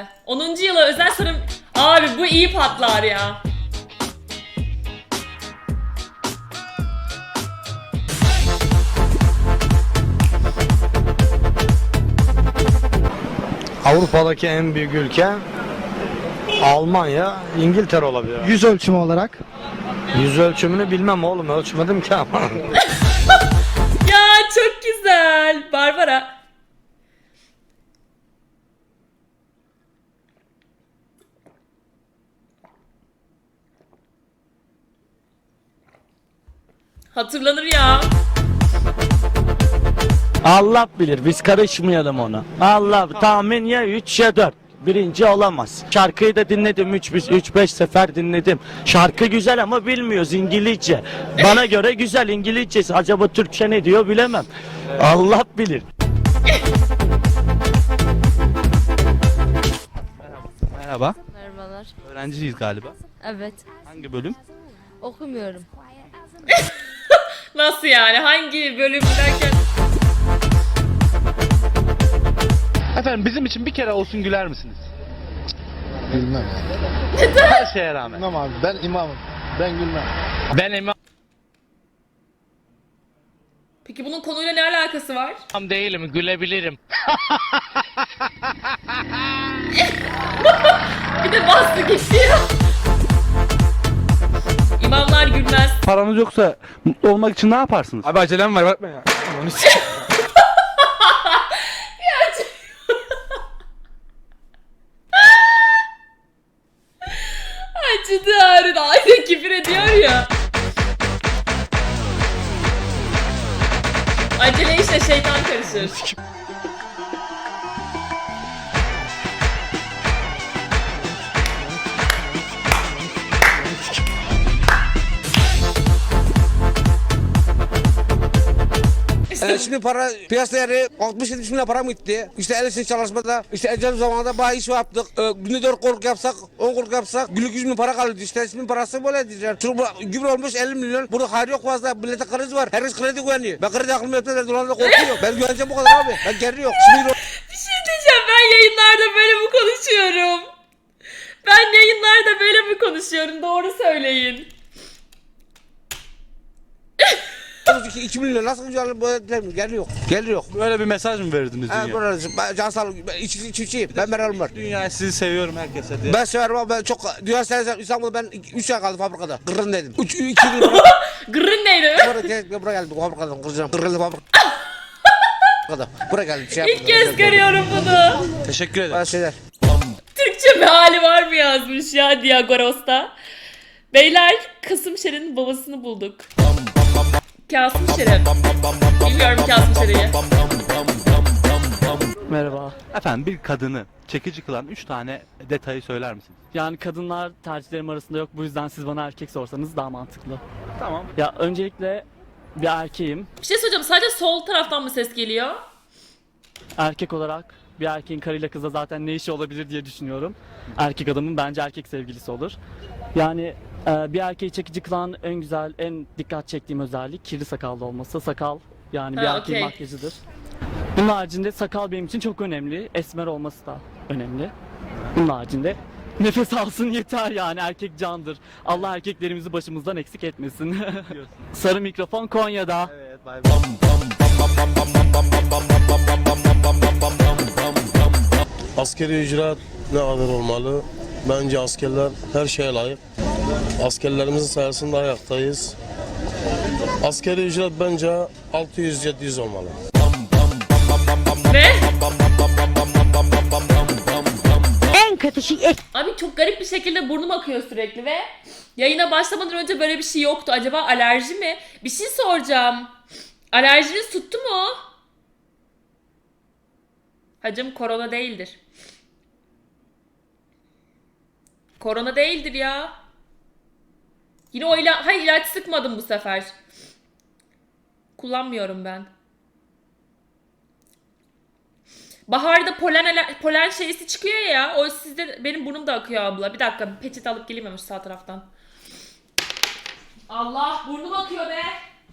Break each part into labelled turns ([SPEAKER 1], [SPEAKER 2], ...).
[SPEAKER 1] 10. yıla özel sanırım. Abi bu iyi patlar ya.
[SPEAKER 2] Avrupa'daki en büyük ülke Almanya, İngiltere olabilir.
[SPEAKER 3] Yüz ölçümü olarak.
[SPEAKER 2] Yüz ölçümünü bilmem oğlum, ölçmedim ki ama.
[SPEAKER 1] Ya çok güzel. Barbara. Hatırlanır ya.
[SPEAKER 4] Allah bilir, biz karışmayalım ona. Allah tahmin ya 3 ya 4. Birinci olamaz. Şarkıyı da dinledim 3-5 sefer dinledim. Şarkı güzel ama bilmiyoruz İngilizce. Bana göre güzel İngilizcesi. Acaba Türkçe ne diyor bilemem. Allah bilir.
[SPEAKER 5] Merhaba.
[SPEAKER 6] Merhabalar.
[SPEAKER 5] Öğrenciyiz galiba.
[SPEAKER 6] Evet.
[SPEAKER 5] Hangi bölüm?
[SPEAKER 6] Okumuyorum.
[SPEAKER 1] Nasıl yani? Hangi bölüm derken?
[SPEAKER 5] Efendim bizim için bir kere olsun güler misiniz?
[SPEAKER 3] Bilmem ya.
[SPEAKER 5] Her şeye rağmen.
[SPEAKER 3] Bilmem abi, ben imamım. Ben gülmem.
[SPEAKER 5] Ben imam
[SPEAKER 1] Peki bunun konuyla ne alakası var?
[SPEAKER 5] değilim, gülebilirim.
[SPEAKER 1] Bir de bastı gitti ya. İmamlar gülmez.
[SPEAKER 5] Paranız yoksa mutlu olmak için ne yaparsınız?
[SPEAKER 7] Abi acelem var bakma ya. Onu
[SPEAKER 1] Acıdı ağrıdı. Aynı küfür ediyor ya. Acele işte şeytan karışır.
[SPEAKER 8] Şimdi para piyasa değeri 60-70 milyon para mı gitti? İşte el işi çalışmada, işte ecel zamanında bayağı iş yaptık. Günde 4 korku yapsak, 10 korku yapsak günlük 100 bin para kalıyordu. İşte şimdi parası böyle diyeceğim. Çünkü bu gübre olmuş 50 milyon. Burada hayır yok fazla. Millete kriz var. Herkes kredi güveniyor. Ben kredi aklımı yaptılar. Dolarda korkuyor. Ben güveneceğim bu kadar abi. Ben geri yok. Şimdi
[SPEAKER 1] Bir şey diyeceğim. Ben yayınlarda böyle mi konuşuyorum? Ben yayınlarda böyle mi konuşuyorum? Doğru söyleyin.
[SPEAKER 8] 2 milyon nasıl güzel böyle geri yok. Geri yok.
[SPEAKER 5] Böyle bir mesaj mı verdiniz
[SPEAKER 8] Evet,
[SPEAKER 5] dünyaya?
[SPEAKER 8] böyle can sağlık. Ben çiftçiyim. Ben meralım var.
[SPEAKER 5] Dünyaya sizi seviyorum herkese diye.
[SPEAKER 8] Ben severim ama ben çok dünya severim. İstanbul'da ben 3 ay kaldım fabrikada. Kırın dedim. 2 yıl
[SPEAKER 1] Gırrın neydi?
[SPEAKER 8] buraya geldim bu fabrikadan. Kıracağım. Kırıldı fabrikada. Buraya geldim.
[SPEAKER 1] İlk kez görüyorum bunu.
[SPEAKER 5] Teşekkür ederim.
[SPEAKER 8] Bazı şeyler.
[SPEAKER 1] Türkçe meali var mı yazmış ya Diagoros'ta. Beyler Kasım Şeren'in babasını bulduk. Kasım Şeren. Bilmiyorum Kasım Şeren'i.
[SPEAKER 9] Merhaba.
[SPEAKER 5] Efendim bir kadını çekici kılan 3 tane detayı söyler misiniz?
[SPEAKER 9] Yani kadınlar tercihlerim arasında yok. Bu yüzden siz bana erkek sorsanız daha mantıklı.
[SPEAKER 5] Tamam.
[SPEAKER 9] Ya öncelikle bir erkeğim.
[SPEAKER 1] Bir şey söyleyeceğim. Sadece sol taraftan mı ses geliyor?
[SPEAKER 9] Erkek olarak bir erkeğin karıyla kızla zaten ne işi olabilir diye düşünüyorum. Erkek adamın bence erkek sevgilisi olur. Yani bir erkeği çekici kılan en güzel, en dikkat çektiğim özellik kirli sakallı olması. Sakal yani bir
[SPEAKER 1] Ha,
[SPEAKER 9] erkeğin
[SPEAKER 1] okey.
[SPEAKER 9] makyajıdır. Bunun haricinde sakal benim için çok önemli. Esmer olması da önemli. Bunun haricinde nefes alsın yeter yani erkek candır. Allah erkeklerimizi başımızdan eksik etmesin. Sarı mikrofon Konya'da.
[SPEAKER 5] Evet, bay bay.
[SPEAKER 10] Askeri ücret ne kadar olmalı? Bence askerler her şeye layık. Askerlerimizin sayesinde ayaktayız. Askeri ücret bence 600-700 olmalı.
[SPEAKER 1] Ne?
[SPEAKER 11] En kötü şey
[SPEAKER 1] Abi çok garip bir şekilde burnum akıyor sürekli ve yayına başlamadan önce böyle bir şey yoktu. Acaba alerji mi? Bir şey soracağım. Alerjiniz tuttu mu? Hacım korona değildir. Korona değildir ya. Yine o ilaç... Hayır ilaç sıkmadım bu sefer. Kullanmıyorum ben. Baharda polen şeysi çıkıyor ya. O sizde benim burnum da akıyor abla. Bir dakika bir peçete alıp geleyim hemen sağ taraftan. Allah burnum akıyor be.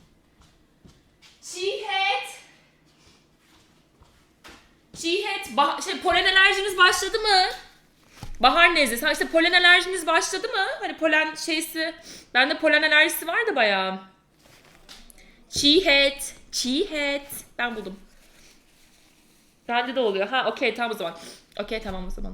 [SPEAKER 1] Çiğhet. Çiğhet. Polen alerjiniz başladı mı? Bahar nezlesi. Ha işte polen alerjiniz başladı mı? Hani polen şeysi. Bende polen alerjisi vardı bayağı. Çiğhet. Çiğhet. Ben buldum. Bende de oluyor. Ha okey tamam o zaman. Okey tamam o zaman.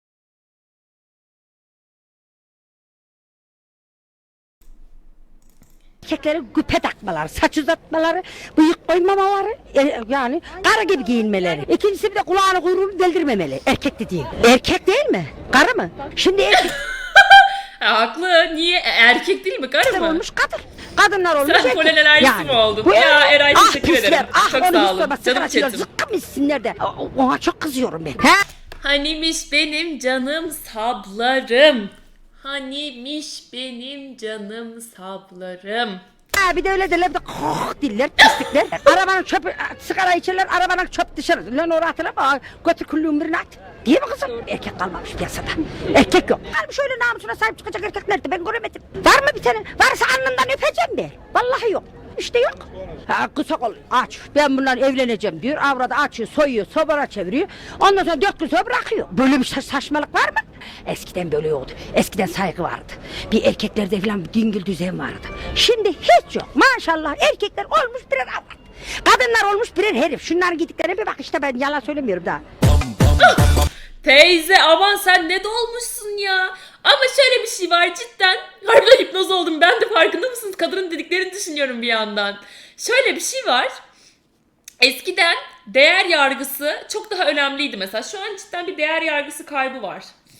[SPEAKER 11] Erkeklere güpe takmaları, saç uzatmaları, bıyık koymamaları, yani karı gibi giyinmeleri. İkincisi bir de kulağını kuyruğunu deldirmemeli. Erkek de değil. Erkek değil mi? Karı mı? Şimdi erkek
[SPEAKER 1] Ha, haklı. Niye? Erkek değil mi? Karı mı?
[SPEAKER 11] olmuş kadın. Kadınlar olmuş
[SPEAKER 1] Sen
[SPEAKER 11] erkek.
[SPEAKER 1] polen alerjisi mi oldun?
[SPEAKER 11] Bu
[SPEAKER 1] Ya Eray
[SPEAKER 11] ah,
[SPEAKER 1] teşekkür
[SPEAKER 11] pisler,
[SPEAKER 1] ederim.
[SPEAKER 11] Ah,
[SPEAKER 1] Çok
[SPEAKER 11] onu
[SPEAKER 1] sağ
[SPEAKER 11] hiç
[SPEAKER 1] olun.
[SPEAKER 11] sorma,
[SPEAKER 1] Canım
[SPEAKER 11] sigaracılar
[SPEAKER 1] chatim.
[SPEAKER 11] zıkkım içsinler de. Ona çok kızıyorum ben. He?
[SPEAKER 1] Hanimiş benim canım sablarım. Hanimiş benim canım sablarım.
[SPEAKER 11] Ha, bir de öyle derler, bir de diller, pislikler. Arabanın çöpü, sigara içerler, arabanın çöp dışarı. Lan oraya atılama, götür küllüğün birine at. Değil mi kızım? Erkek kalmamış piyasada. Erkek yok. Kalmış öyle namusuna sahip çıkacak erkekler de ben göremedim. Var mı bir tane? Varsa alnından öpeceğim ben. Vallahi yok. İşte yok. Ha, kısa kol aç. Ben bunlarla evleneceğim diyor. Avradı açıyor, soyuyor, sobara çeviriyor. Ondan sonra 4 gün sonra bırakıyor. Böyle bir saçmalık var mı? Eskiden böyle oldu. Eskiden saygı vardı. Bir erkeklerde falan bir dingil düzen vardı. Şimdi hiç yok. Maşallah erkekler olmuş birer avrat. Kadınlar olmuş birer herif. Şunların gittiklerine bir bak işte, ben yalan söylemiyorum daha.
[SPEAKER 1] Teyze aman sen ne dolmuşsun ya. Ama şöyle bir şey var cidden. Harbiden hipnoz oldum. Ben de farkında mısınız? Kadının dediklerini düşünüyorum bir yandan. Şöyle bir şey var. Eskiden değer yargısı çok daha önemliydi mesela. Şu an cidden bir değer yargısı kaybı var.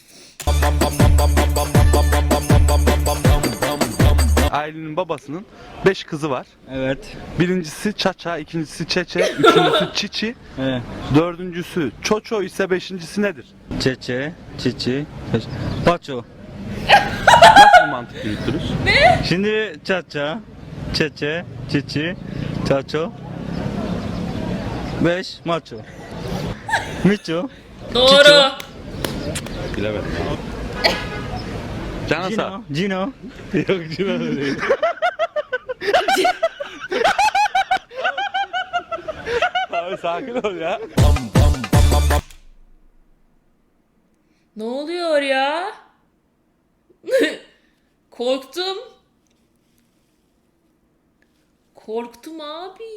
[SPEAKER 5] Ailenin babasının 5 kızı var.
[SPEAKER 4] Evet.
[SPEAKER 5] Birincisi Çaça, ikincisi Çeçe, üçüncüsü Çiçi,
[SPEAKER 4] Evet.
[SPEAKER 5] dördüncüsü Çoço ise beşincisi nedir?
[SPEAKER 4] Çeçe, çiçi, paço.
[SPEAKER 5] Nasıl bir mantık yürütürüz?
[SPEAKER 4] Şimdi çaça, çeçe, çiçi, çaço, 5 maço. Miço.
[SPEAKER 1] Doğru.
[SPEAKER 5] Bilemedim. Canasa.
[SPEAKER 4] Cino.
[SPEAKER 5] Yok Cino da değil. Abi sakin ol ya.
[SPEAKER 1] Ne oluyor ya? Korktum. Korktum abi.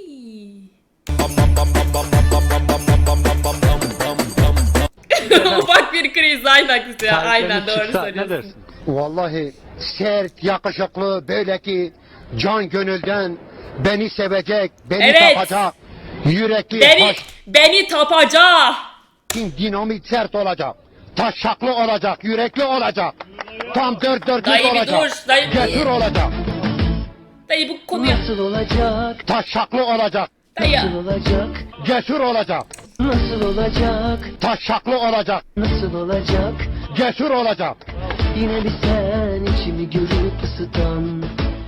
[SPEAKER 1] Ufak bir kriz aynen ya. Aynen doğru söylüyorsun.
[SPEAKER 3] Vallahi sert, yakışıklı, böyle ki can gönülden beni sevecek, beni
[SPEAKER 1] Evet.
[SPEAKER 3] tapacak, yürekli,
[SPEAKER 1] Beni tapacak.
[SPEAKER 3] dinamit sert olacak, taşaklı olacak, yürekli olacak, tam dört dörtlük
[SPEAKER 1] Dayı bir
[SPEAKER 3] olacak,
[SPEAKER 1] dur. Dayı,
[SPEAKER 3] cesur olacak,
[SPEAKER 1] dayı bu konuya.
[SPEAKER 11] Nasıl olacak?
[SPEAKER 3] taşaklı olacak,
[SPEAKER 1] Dayı.
[SPEAKER 11] Olacak?
[SPEAKER 3] cesur olacak,
[SPEAKER 11] Nasıl olacak?
[SPEAKER 3] taşaklı olacak,
[SPEAKER 11] Nasıl olacak?
[SPEAKER 3] cesur olacak.
[SPEAKER 11] Yine bir sen içimi görüp ısıtan.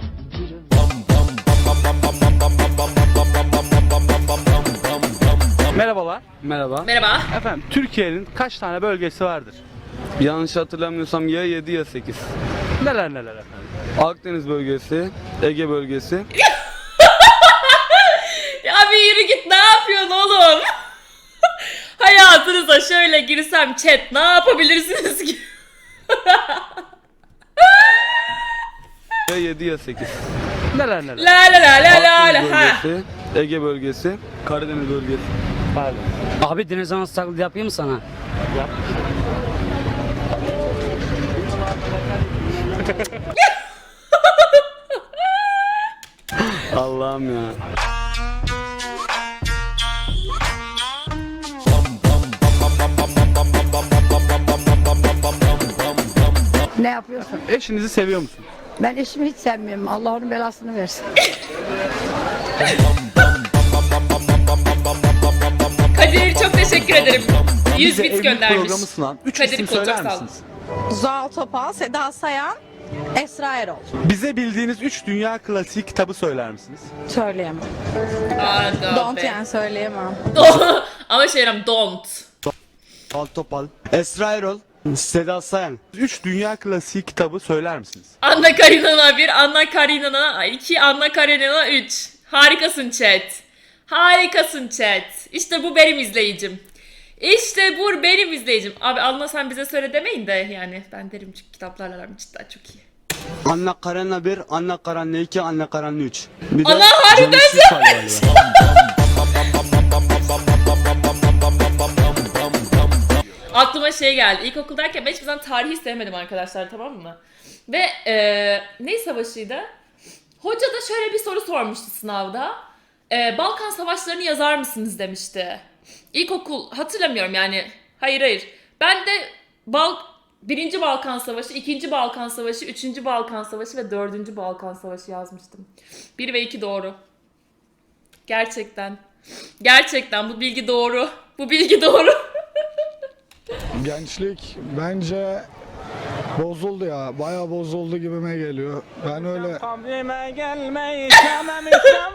[SPEAKER 5] Merhabalar.
[SPEAKER 7] Merhaba.
[SPEAKER 1] Merhaba.
[SPEAKER 5] Efendim Türkiye'nin kaç tane bölgesi vardır?
[SPEAKER 7] Yanlış hatırlamıyorsam ya 7 ya 8.
[SPEAKER 5] Neler neler efendim?
[SPEAKER 7] Akdeniz bölgesi, Ege bölgesi.
[SPEAKER 1] Ya bir yürü git, ne yapıyorsun oğlum? Hayatınıza şöyle girsem chat ne yapabilirsiniz ki?
[SPEAKER 7] Ya 7 ya 8.
[SPEAKER 5] Neler neler?
[SPEAKER 1] La la la la la
[SPEAKER 7] Akdeniz
[SPEAKER 1] la ha.
[SPEAKER 7] bölgesi, Ege bölgesi, Karadeniz bölgesi.
[SPEAKER 5] Pardon.
[SPEAKER 9] Abi deniz anası taklidi yapayım mı sana?
[SPEAKER 7] Allah'ım ya.
[SPEAKER 11] Ne yapıyorsun?
[SPEAKER 5] Eşinizi seviyor musunuz?
[SPEAKER 11] Ben eşimi hiç sevmiyorum. Allah onun belasını versin.
[SPEAKER 1] Kadir çok teşekkür ederim. 100
[SPEAKER 5] Bize
[SPEAKER 1] bit
[SPEAKER 5] evlilik
[SPEAKER 1] göndermiş.
[SPEAKER 5] programı sunan 3
[SPEAKER 1] Kadir
[SPEAKER 5] isim
[SPEAKER 1] Kol, çok
[SPEAKER 5] söyler
[SPEAKER 1] sağ olun.
[SPEAKER 5] misiniz?
[SPEAKER 6] Zuhal Topal, Seda Sayan, Esra Erol.
[SPEAKER 5] Bize bildiğiniz 3 dünya klasiği kitabı söyler misiniz?
[SPEAKER 6] Söyleyemem.
[SPEAKER 1] Aa,
[SPEAKER 6] Don't
[SPEAKER 1] be.
[SPEAKER 6] yani söyleyemem.
[SPEAKER 1] Ama şeyim don't.
[SPEAKER 4] Topal, Esra Erol, Seda Sayan.
[SPEAKER 5] 3 dünya klasiği kitabı söyler misiniz?
[SPEAKER 1] Anna Karenina 1, Anna Karenina 2, Anna Karenina 3. Harikasın chat. Harikasın chat. İşte bu benim izleyicim. İşte bu benim izleyicim. Abi Alna sen bize söyle demeyin de yani ben derim çünkü kitaplarla aram cidden çok iyi.
[SPEAKER 7] Anne karanla 1, anne karanla 2, anne karanla 3. Bir de
[SPEAKER 1] Allah harbiden Aklıma şey geldi. İlkokuldayken ben hiçbir zaman tarihi sevmedim arkadaşlar, tamam mı? Ve ne savaşıydı? Hoca da şöyle bir soru sormuştu sınavda. Balkan Savaşları'nı yazar mısınız demişti. İlkokul hatırlamıyorum yani. Hayır. Ben de 1. Balkan Savaşı, 2. Balkan Savaşı, 3. Balkan Savaşı ve 4. Balkan Savaşı yazmıştım. 1 ve 2 doğru. Gerçekten. Gerçekten bu bilgi doğru. Bu bilgi doğru.
[SPEAKER 10] Gençlik bence bozuldu ya. Bayağı bozuldu gibime geliyor. Ben öyle...
[SPEAKER 4] Kabrime gelmeyi istemem istemem.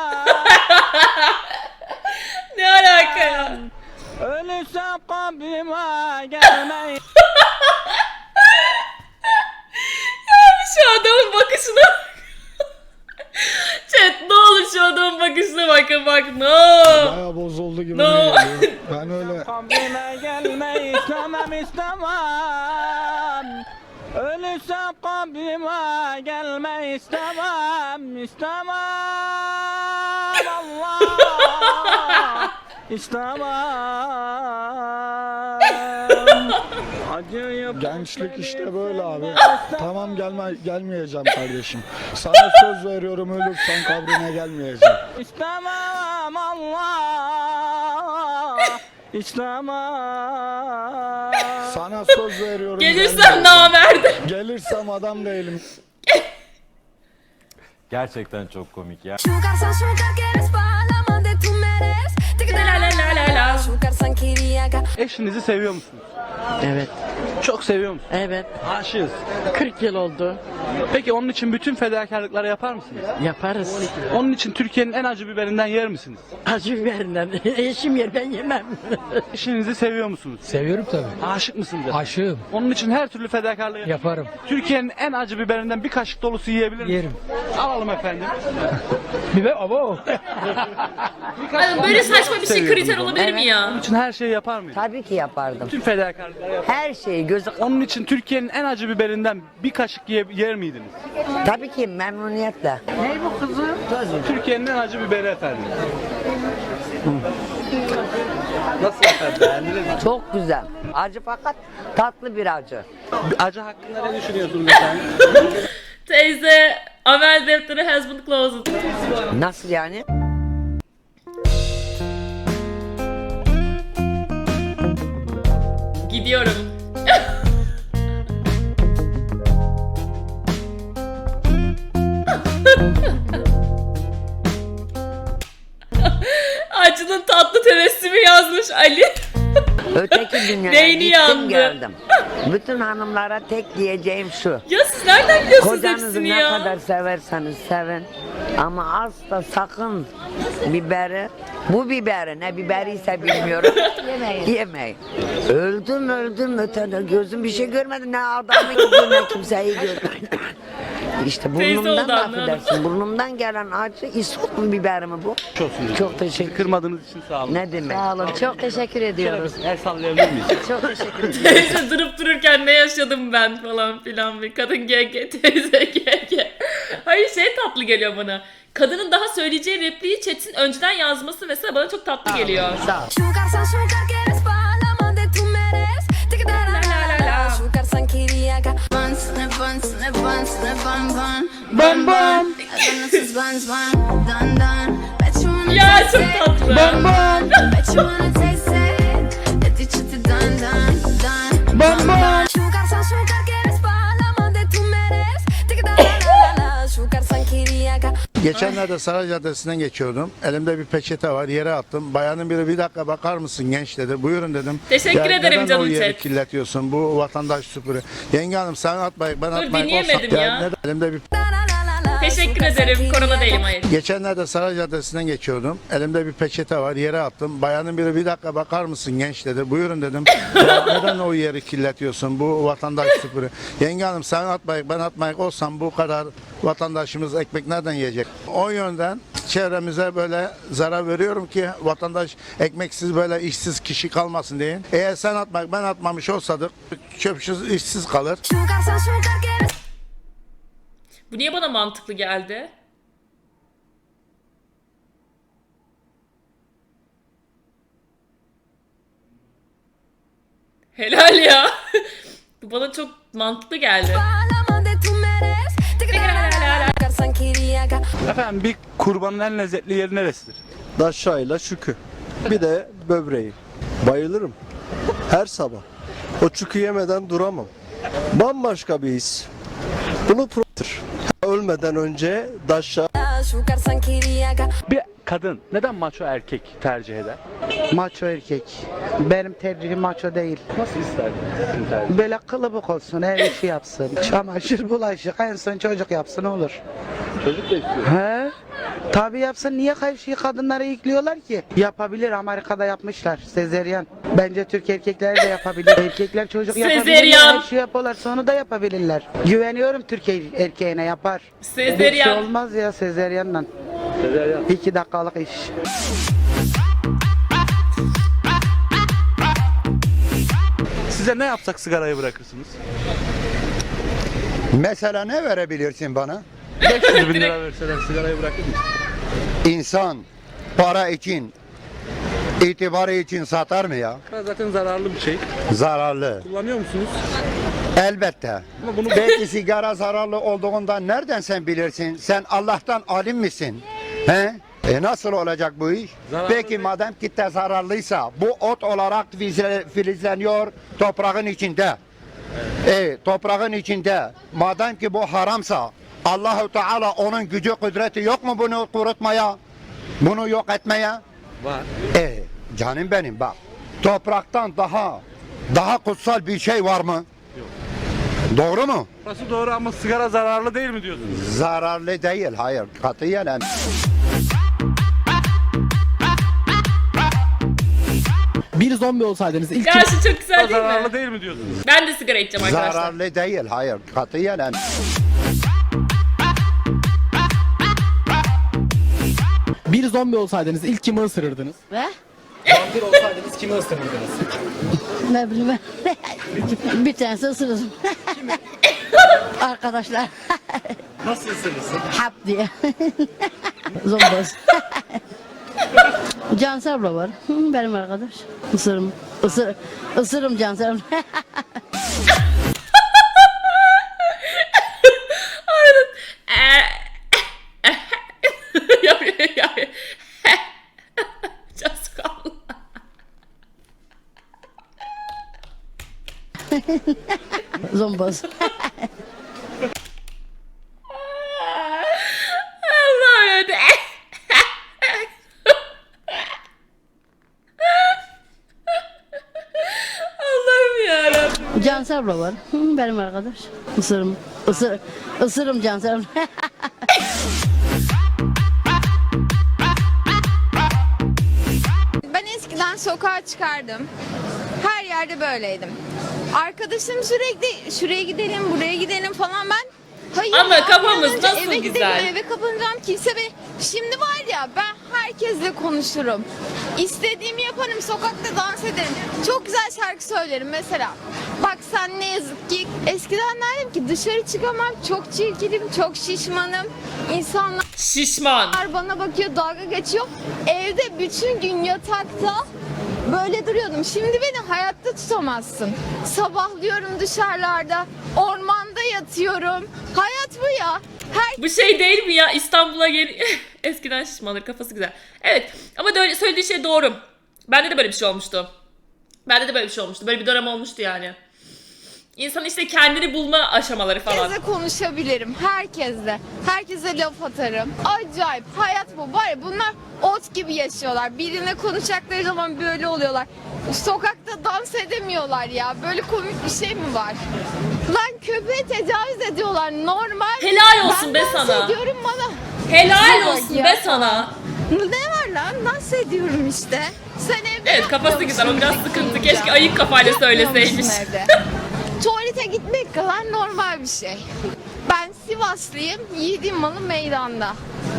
[SPEAKER 1] Ne alaka ya?
[SPEAKER 4] Ölürsem kabrime gelmeyi.
[SPEAKER 1] Şu adamın bakışına Chat ne olur şu adamın bakışına bakın bak no.
[SPEAKER 10] Bayağı bozuldu gibime
[SPEAKER 1] No.
[SPEAKER 10] geliyor. Ben öyle...
[SPEAKER 4] Kabrime gelmeyi istemem istemem. Ölürsem kabrime gelmeyi istemem Allah istemem. Acıyıp
[SPEAKER 10] Gençlik işte böyle abi. Tamam gelmeyeceğim kardeşim. Sana söz veriyorum ölürsen kabrine gelmeyeceğim.
[SPEAKER 4] İstemem Allah istemem.
[SPEAKER 10] Sana söz veriyorum.
[SPEAKER 1] Gelirsem namerdi.
[SPEAKER 10] Gelirsem adam değilim.
[SPEAKER 5] Gerçekten çok komik ya. Eşinizi seviyor musunuz?
[SPEAKER 11] Evet.
[SPEAKER 5] Çok seviyor musunuz?
[SPEAKER 11] Evet.
[SPEAKER 5] Aşığız.
[SPEAKER 11] 40 yıl oldu.
[SPEAKER 5] Peki onun için bütün fedakarlıkları yapar mısınız?
[SPEAKER 11] Yaparız.
[SPEAKER 5] Onun için Türkiye'nin en acı biberinden yer misiniz?
[SPEAKER 11] Acı biberinden. Eşim yer ben yemem.
[SPEAKER 5] Eşinizi seviyor musunuz?
[SPEAKER 2] Seviyorum tabii.
[SPEAKER 5] Aşık mısınız?
[SPEAKER 2] Aşığım.
[SPEAKER 5] Onun için her türlü fedakarlığı yapar.
[SPEAKER 2] Yaparım.
[SPEAKER 5] Türkiye'nin en acı biberinden bir kaşık dolusu yiyebilir misiniz?
[SPEAKER 2] Yerim.
[SPEAKER 5] Alalım efendim.
[SPEAKER 2] Biber abo.
[SPEAKER 1] Hani böyle saçma bir şey kriter olabilir mi ya?
[SPEAKER 5] Onun için her şeyi yapar mıyız?
[SPEAKER 11] Tabii ki yapardım.
[SPEAKER 5] Bütün fedakarlıkları yapar.
[SPEAKER 11] Her şeyi gözü...
[SPEAKER 5] Onun için Türkiye'nin en acı biberinden bir kaşık yer miydiniz?
[SPEAKER 11] Tabii ki memnuniyetle. Ne bu kızım?
[SPEAKER 5] Türkiye'nin en acı biberi efendim. Nasıl efendim? Beğendiniz mi?
[SPEAKER 11] Çok güzel. Acı fakat tatlı bir acı.
[SPEAKER 5] Acı hakkında ne düşünüyorsunuz efendim?
[SPEAKER 1] Teyze amel defteri has been closed.
[SPEAKER 11] Nasıl yani?
[SPEAKER 1] Gidiyorum. Acının tatlı tebessümü yazmış Ali.
[SPEAKER 11] Öteki dünyaya
[SPEAKER 1] Beyni
[SPEAKER 11] gittim
[SPEAKER 1] yandı.
[SPEAKER 11] geldim. Bütün hanımlara tek diyeceğim şu.
[SPEAKER 1] Ya siz nereden biliyorsunuz
[SPEAKER 11] Kocanızı
[SPEAKER 1] hepsini
[SPEAKER 11] ne
[SPEAKER 1] ya?
[SPEAKER 11] kadar severseniz sevin. Ama asla sakın biberi, bu biberi ne biberiyse bilmiyorum. Yemeyin. Öldüm ötede gözüm bir şey görmedi. Ne adamı gidiyor ne kimseyi görmedi. İşte
[SPEAKER 1] Teyze
[SPEAKER 11] burnumdan
[SPEAKER 1] oldu,
[SPEAKER 11] da
[SPEAKER 1] anladım.
[SPEAKER 11] affedersin. Burnumdan gelen acı isot mu biber mi bu? Çok teşekkür.
[SPEAKER 5] Kırmadığınız için sağ olun.
[SPEAKER 11] Ne demek? Sağ olun. Çok teşekkür ediyoruz.
[SPEAKER 5] El sallayabilir miyiz?
[SPEAKER 11] Çok teşekkür ederim.
[SPEAKER 1] Teyze durup dururken ne yaşadım ben falan filan bir kadın GG teyze GG. Hayır şey tatlı geliyor bana. Kadının daha söyleyeceği repliği chat'in önceden yazması mesela bana çok tatlı geliyor.
[SPEAKER 11] Sağ ol.
[SPEAKER 1] Bam bam. Ya çok tatlı. Bam bam. Bam bam.
[SPEAKER 3] Geçenlerde Saray Caddesi'nden geçiyordum. Elimde bir peçete var. Yere attım. Bayanın biri bir dakika bakar mısın genç dedi. Buyurun dedim.
[SPEAKER 1] Teşekkür ederim
[SPEAKER 3] neden
[SPEAKER 1] canım
[SPEAKER 3] o yeri
[SPEAKER 1] chat.
[SPEAKER 3] kirletiyorsun? Bu vatandaş süpürü. Yenge hanım sen atmayın ben atmayın.
[SPEAKER 1] dinleyemedim ya.
[SPEAKER 3] Neden? Elimde bir
[SPEAKER 1] Teşekkür ederim. Korona değilim hayır.
[SPEAKER 3] Geçenlerde Saray Caddesi'nden geçiyordum. Elimde bir peçete var. Yere attım. Bayanın biri bir dakika bakar mısın genç dedi. Buyurun dedim. Neden o yeri kirletiyorsun? Bu vatandaş süpürü. Yenge hanım sen atmayın ben atmayın olsam bu kadar vatandaşımız ekmek nereden yiyecek? O yönden çevremize böyle zarar veriyorum ki vatandaş ekmeksiz böyle işsiz kişi kalmasın diye. Eğer sen atmak ben atmamış olsadık çöpsüz işsiz kalır.
[SPEAKER 1] Bu niye bana mantıklı geldi? Helal ya. Bu bana çok mantıklı geldi.
[SPEAKER 5] Efendim bir kurbanın en lezzetli yeri neresidir?
[SPEAKER 10] Daşşayla şükü. Bir de böbreği. Bayılırım. Her sabah. O çükü yemeden duramam. Bambaşka bir his. Bunu ölmeden önce daşşa.
[SPEAKER 5] Bir kadın neden maço erkek tercih eder?
[SPEAKER 7] Maço erkek. Benim tercihim maço değil.
[SPEAKER 5] Nasıl isterdin tercih?
[SPEAKER 7] Böyle kılıbık olsun, her işi yapsın. Çamaşır, bulaşık, en son çocuk yapsın olur.
[SPEAKER 5] Çocuk da istiyor.
[SPEAKER 7] He? Tabii yapsın. Niye her şeyi kadınlara yüklüyorlar ki? Yapabilir. Amerika'da yapmışlar. Sezeryan. Bence Türk erkekleri de yapabilir. Erkekler çocuk yapabilirler.
[SPEAKER 1] Sezeryan.
[SPEAKER 7] Her şey yapıyorlar. Sonra da yapabilirler. Güveniyorum Türk erkeğine yapar. Bir şey
[SPEAKER 1] Sezeryan.
[SPEAKER 7] olmaz ya sezeryanla.
[SPEAKER 5] Sezeryan.
[SPEAKER 7] 2 dakikalık iş.
[SPEAKER 5] Size ne yapsak sigarayı bırakırsınız?
[SPEAKER 3] Mesela ne verebilirsin bana?
[SPEAKER 5] 500 bin lira verseler sigarayı bırakır mısın?
[SPEAKER 3] İnsan para için, itibarı için satar mı ya?
[SPEAKER 5] Zaten zararlı bir şey.
[SPEAKER 3] Zararlı.
[SPEAKER 5] Kullanıyor musunuz?
[SPEAKER 3] Elbette.
[SPEAKER 5] Ama bunu
[SPEAKER 3] Belki sigara zararlı olduğundan nereden sen bilirsin? Sen Allah'tan alim misin? He? Nasıl olacak bu iş?
[SPEAKER 5] Zararlı
[SPEAKER 3] Peki
[SPEAKER 5] değil.
[SPEAKER 3] madem kitle zararlıysa bu ot olarak filizleniyor toprağın içinde. Toprağın içinde. Madem ki bu haramsa Allahu Teala onun gücü kudreti yok mu bunu kurutmaya? Bunu yok etmeye?
[SPEAKER 5] var.
[SPEAKER 3] Canım benim bak. Topraktan daha kutsal bir şey var mı?
[SPEAKER 5] Yok.
[SPEAKER 3] Doğru mu?
[SPEAKER 5] Burası doğru ama sigara zararlı değil mi diyorsunuz?
[SPEAKER 3] Zararlı değil, hayır. Katiyen em-
[SPEAKER 7] Bir zombi olsaydınız ilk
[SPEAKER 1] Ya şu çok güzel değil
[SPEAKER 5] Zararlı
[SPEAKER 1] mi?
[SPEAKER 5] değil mi diyorsunuz?
[SPEAKER 1] Ben de sigara içeceğim arkadaşlar.
[SPEAKER 3] Zararlı değil, hayır. Katiyen em-
[SPEAKER 7] bir zombi olsaydınız ilk kimi ısırırdınız?
[SPEAKER 11] Ve?
[SPEAKER 7] Vampir olsaydınız kimi ısırırdınız?
[SPEAKER 11] Ne bileyim ben. Bir tanesi ısırırım. Arkadaşlar.
[SPEAKER 7] Nasıl ısırırsın?
[SPEAKER 11] Hap diye. Zomboz. Cansel abla var. Benim arkadaş. Isırırım. Isırırım Cansel abla.
[SPEAKER 1] Çok sıkıldım.
[SPEAKER 11] Zomboz.
[SPEAKER 1] Allah'ım ya. Allah'ım yarabbim.
[SPEAKER 11] Cansel abla var. Benim arkadaş. Isırırım Cansel abla.
[SPEAKER 6] Ben eskiden sokağa çıkardım. Her yerde böyleydim. Arkadaşım sürekli şuraya gidelim, buraya gidelim falan ben. Hayır
[SPEAKER 1] Ama
[SPEAKER 6] ya,
[SPEAKER 1] kafamız
[SPEAKER 6] bir an önce
[SPEAKER 1] nasıl
[SPEAKER 6] eve
[SPEAKER 1] güzel.
[SPEAKER 6] Gidelim, eve kapanacağım kimse beni. Şimdi var ya ben herkesle konuşurum. İstediğimi yaparım, sokakta dans ederim. Çok güzel şarkı söylerim mesela. Bak sen ne yazık ki eskiden derdim ki dışarı çıkamam, çok çirkinim, çok şişmanım. İnsanlar
[SPEAKER 1] Şişman.
[SPEAKER 6] bana bakıyor, dalga geçiyor. Evde bütün gün yatakta böyle duruyordum. Şimdi beni hayatta tutamazsın. Sabahlıyorum dışarılarda, ormanda yatıyorum. Hayat bu ya.
[SPEAKER 1] Bu şey değil mi ya? İstanbul'a gel... Eskiden şişmanır, kafası güzel. Evet ama de söylediği şey doğru. Bende de böyle bir şey olmuştu. Böyle bir dönem olmuştu yani. İnsan işte kendini bulma aşamaları falan.
[SPEAKER 6] Herkesle konuşabilirim, herkesle. Herkese laf atarım. Acayip, hayat bu. Var ya bunlar ot gibi yaşıyorlar. Birine konuşacakları zaman böyle oluyorlar. Sokakta dans edemiyorlar ya. Böyle komik bir şey mi var? Lan köpeğe tecavüz ediyorlar, normal.
[SPEAKER 1] Helal olsun
[SPEAKER 6] ben
[SPEAKER 1] be
[SPEAKER 6] dans
[SPEAKER 1] sana.
[SPEAKER 6] ediyorum bana.
[SPEAKER 1] Helal
[SPEAKER 6] Bak
[SPEAKER 1] olsun
[SPEAKER 6] ya.
[SPEAKER 1] be sana.
[SPEAKER 6] Ne var lan? Dans ediyorum işte. Sen evde
[SPEAKER 1] Evet, kafası
[SPEAKER 6] yapmıyor
[SPEAKER 1] güzel, o
[SPEAKER 6] musun
[SPEAKER 1] biraz
[SPEAKER 6] diyeceğim.
[SPEAKER 1] sıkıntı. Keşke ayık kafayla söyleseymiş.
[SPEAKER 6] Yapmıyormuşsun evde. Tuvalete gitmek kadar normal bir şey. Ben Sivaslıyım, yiğidim malı meydanda.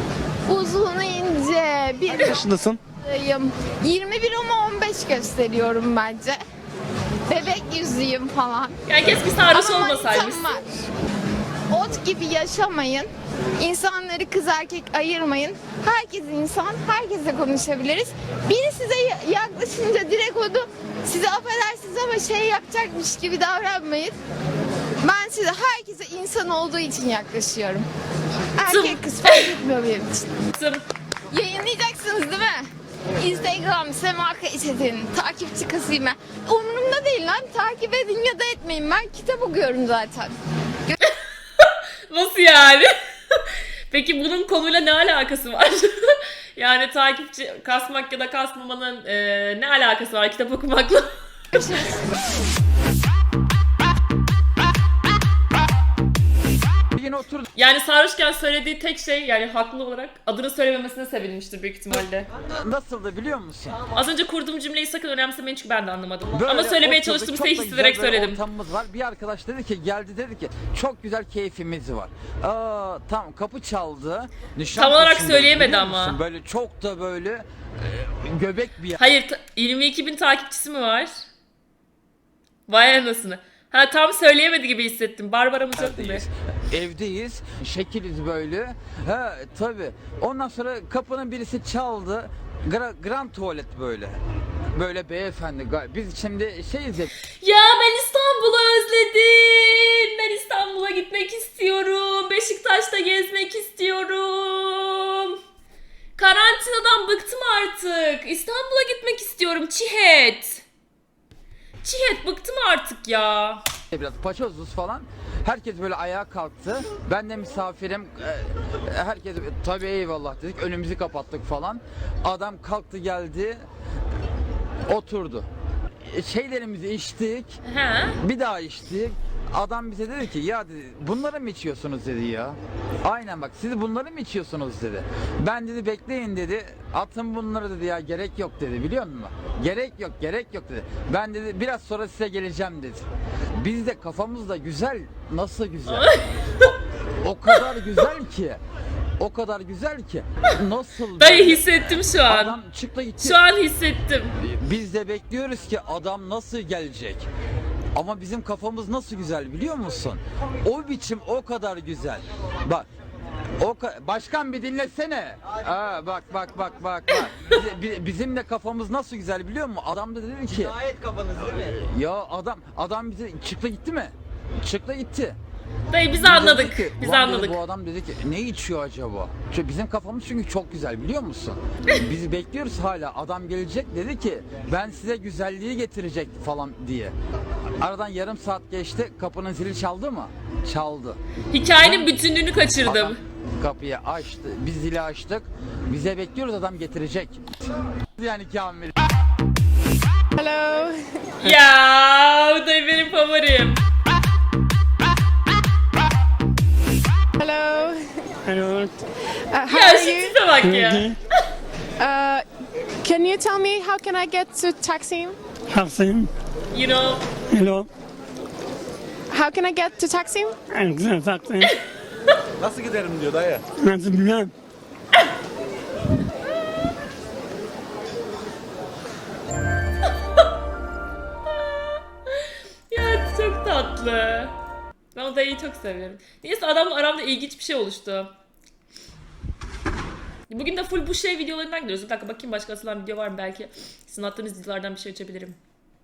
[SPEAKER 6] Uzun ince bir
[SPEAKER 5] Yaşındasın.
[SPEAKER 6] yüzüyüm. 21 ama 15 gösteriyorum bence. Bebek yüzüyüm falan.
[SPEAKER 1] Yani keşke sarhoş
[SPEAKER 6] Ama
[SPEAKER 1] olmasaymış.
[SPEAKER 6] manitam var. Ot gibi yaşamayın. İnsanları kız erkek ayırmayın. Herkes insan, herkesle konuşabiliriz. Biri size yaklaşınca direkt onu size affedersiniz ama şey yapacakmış gibi davranmayın. Ben size herkese insan olduğu için yaklaşıyorum. Erkek kız fark etmiyor benim için.
[SPEAKER 1] Tım.
[SPEAKER 6] Yayınlayacaksınız değil mi? Instagram Sema Kayset'in takipçi kasayım ben. Umurumda değil lan. Takip edin ya da etmeyin. Ben kitap okuyorum zaten.
[SPEAKER 1] Nasıl yani? Peki bunun konuyla ne alakası var? Yani takipçi kasmak ya da kasmamanın ne alakası var kitap okumakla?
[SPEAKER 6] Görüşürüz.
[SPEAKER 5] Yine otur.
[SPEAKER 1] Yani sarhoşken söylediği tek şey yani haklı olarak adını söylememesine sevinmiştir büyük ihtimalle.
[SPEAKER 5] Nasıldı biliyor musun?
[SPEAKER 1] Az önce kurduğum cümleyi sakın önemsemeyin çünkü ben de anlamadım.
[SPEAKER 5] Böyle
[SPEAKER 1] Ama söylemeye
[SPEAKER 5] oturduk,
[SPEAKER 1] çalıştığım
[SPEAKER 5] çok
[SPEAKER 1] şeyi
[SPEAKER 5] da
[SPEAKER 1] hissederek
[SPEAKER 5] güzel böyle
[SPEAKER 1] söyledim.
[SPEAKER 5] ortamımız var. Bir arkadaş dedi ki geldi dedi ki çok güzel keyfimiz var. Tam kapı çaldı.
[SPEAKER 1] Tam olarak
[SPEAKER 5] Nişantaşı'nda,
[SPEAKER 1] söyleyemedi
[SPEAKER 5] biliyor
[SPEAKER 1] ama.
[SPEAKER 5] musun? Böyle çok da böyle göbek bir yer.
[SPEAKER 1] Hayır 22.000 takipçisi mi var? Vay anasını. Ha tam söyleyemedi gibi hissettim. Barbaramız yok mu?
[SPEAKER 5] Evdeyiz. Şekiliz böyle. Ha tabii. Ondan sonra kapının birisi çaldı. Grand tuvalet böyle. Böyle beyefendi. Biz şimdi şeyiz ya.
[SPEAKER 1] Ya ben İstanbul'u özledim. Ben İstanbul'a gitmek istiyorum. Beşiktaş'ta gezmek istiyorum. Karantinadan bıktım artık. İstanbul'a gitmek istiyorum. Çihet. Çihet bıktım artık ya.
[SPEAKER 5] Biraz paçozuz falan. Herkes böyle ayağa kalktı. Ben de misafirim. Herkes tabii eyvallah dedik. Önümüzü kapattık falan. Adam kalktı geldi. Oturdu. Şeylerimizi içtik.
[SPEAKER 1] He.
[SPEAKER 5] Bir daha içtik. Adam bize dedi ki ya dedi, bunları mı içiyorsunuz dedi ya. Aynen bak siz bunları mı içiyorsunuz dedi. Ben dedi bekleyin dedi. Atın bunları dedi ya gerek yok dedi biliyor musun? Gerek yok dedi. Ben dedi biraz sonra size geleceğim dedi. Biz de kafamızda güzel nasıl güzel. O kadar güzel ki. O kadar güzel ki. Nasıl
[SPEAKER 1] Dayı
[SPEAKER 5] böyle?
[SPEAKER 1] hissettim şu an.
[SPEAKER 5] Adam çıktı gitti.
[SPEAKER 1] Şu an hissettim.
[SPEAKER 5] Biz de bekliyoruz ki adam nasıl gelecek. Ama bizim kafamız nasıl güzel biliyor musun? O biçim o kadar güzel. Bak. Başkan bir dinlesene. Bak. Bizim de kafamız nasıl güzel biliyor musun? Adam da dedi ki. Gayet kafanız değil mi? Ya adam bize çıktı gitti mi? Çıktı gitti.
[SPEAKER 1] Dayı biz
[SPEAKER 5] de
[SPEAKER 1] anladık.
[SPEAKER 5] dedi ki,
[SPEAKER 1] Biz
[SPEAKER 5] "Ulan," dedi,
[SPEAKER 1] anladık.
[SPEAKER 5] bu adam dedi ki ne içiyor acaba? Çünkü bizim kafamız çünkü çok güzel biliyor musun? Biz bekliyoruz hala. Adam gelecek dedi ki ben size güzelliği getirecek falan diye. Aradan yarım saat geçti. Kapının zili çaldı mı? Çaldı.
[SPEAKER 1] Hikayenin bütünlüğünü kaçırdım.
[SPEAKER 5] Adam kapıyı açtı. Biz zili açtık. Bize bekliyoruz adam getirecek. Yani Kamil.
[SPEAKER 6] Hello.
[SPEAKER 1] Ya bu da benim favorim.
[SPEAKER 6] Hello.
[SPEAKER 12] Hello.
[SPEAKER 6] How
[SPEAKER 1] Ya
[SPEAKER 6] are
[SPEAKER 1] şu
[SPEAKER 6] you?
[SPEAKER 1] tipe bak ya.
[SPEAKER 6] Can you tell me how can I get to Taksim?
[SPEAKER 12] Taksim.
[SPEAKER 1] You know.
[SPEAKER 12] Hello.
[SPEAKER 6] How can I get to Taksim?
[SPEAKER 12] Güzel Taksim.
[SPEAKER 10] Nasıl giderim diyor dayı.
[SPEAKER 12] Nasıl bilmem.
[SPEAKER 1] Ya çok tatlı. Ben o dayıyı çok seviyorum. Neyse adamla aramda ilginç bir şey oluştu. Bugün de full bu şey videolarından gidiyoruz. Bir dakika bakayım başka atılan video var mı belki. Sizin attığınız videolardan bir şey açabilirim.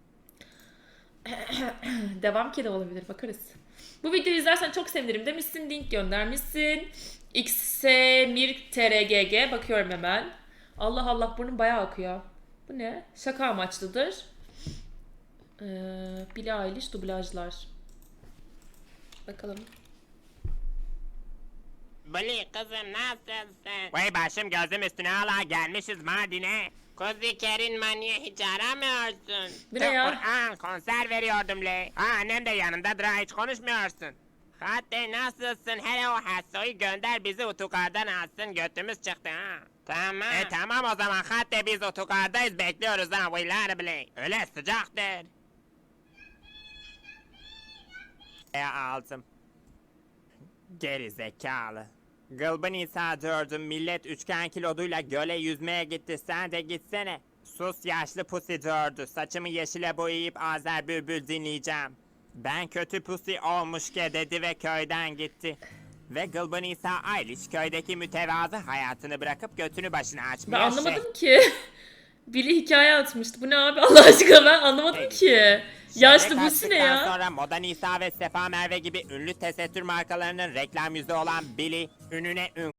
[SPEAKER 1] Devam ki de olabilir bakarız. Bu videoyu izlersen çok sevinirim demişsin. Link göndermişsin. xsemirtrgg bakıyorum hemen. Allah Allah burnum bayağı akıyor. Bu ne? Şaka amaçlıdır. Billie Eilish dublajlar. Bakalım.
[SPEAKER 13] Bali kızım nasılsın? Vay başım gözüm üstüne hala gelmişiz Mardin'e. Kuzi Kerin maniye hiç aramıyorsun.
[SPEAKER 1] Bu ne ya?
[SPEAKER 13] Kur'an konser veriyordum le. Annem de yanındadır ha hiç konuşmuyorsun. Hatta nasılsın? Hele o Hasso'yu gönder bizi otogardan alsın götümüz çıktı ha. Tamam. Tamam o zaman hatta biz otogardayız bekliyoruz ha vaylar bile. Öyle sıcaktır. Aldım. Geri zekalı. Gılbın İsa gördüm, millet üçgen kiloduyla göle yüzmeye gitti, sen de gitsene. Sus yaşlı pusi gördü, saçımı yeşile boyayıp Azer Bülbül dinleyeceğim. Ben kötü pusi olmuş ki dedi ve köyden gitti. Ve Gılbın İsa Ayliç köydeki mütevazı hayatını bırakıp götünü başına açmıyor.
[SPEAKER 1] Ben anlamadım ki. Billy hikaye atmıştı. Bu ne abi Allah aşkına ben anlamadım ki. Yaşlı bu ne ya?
[SPEAKER 13] Sonra Moda Nisa ve Sefa Merve gibi ünlü tesettür markalarının reklam yüzü olan Billy, ününe ün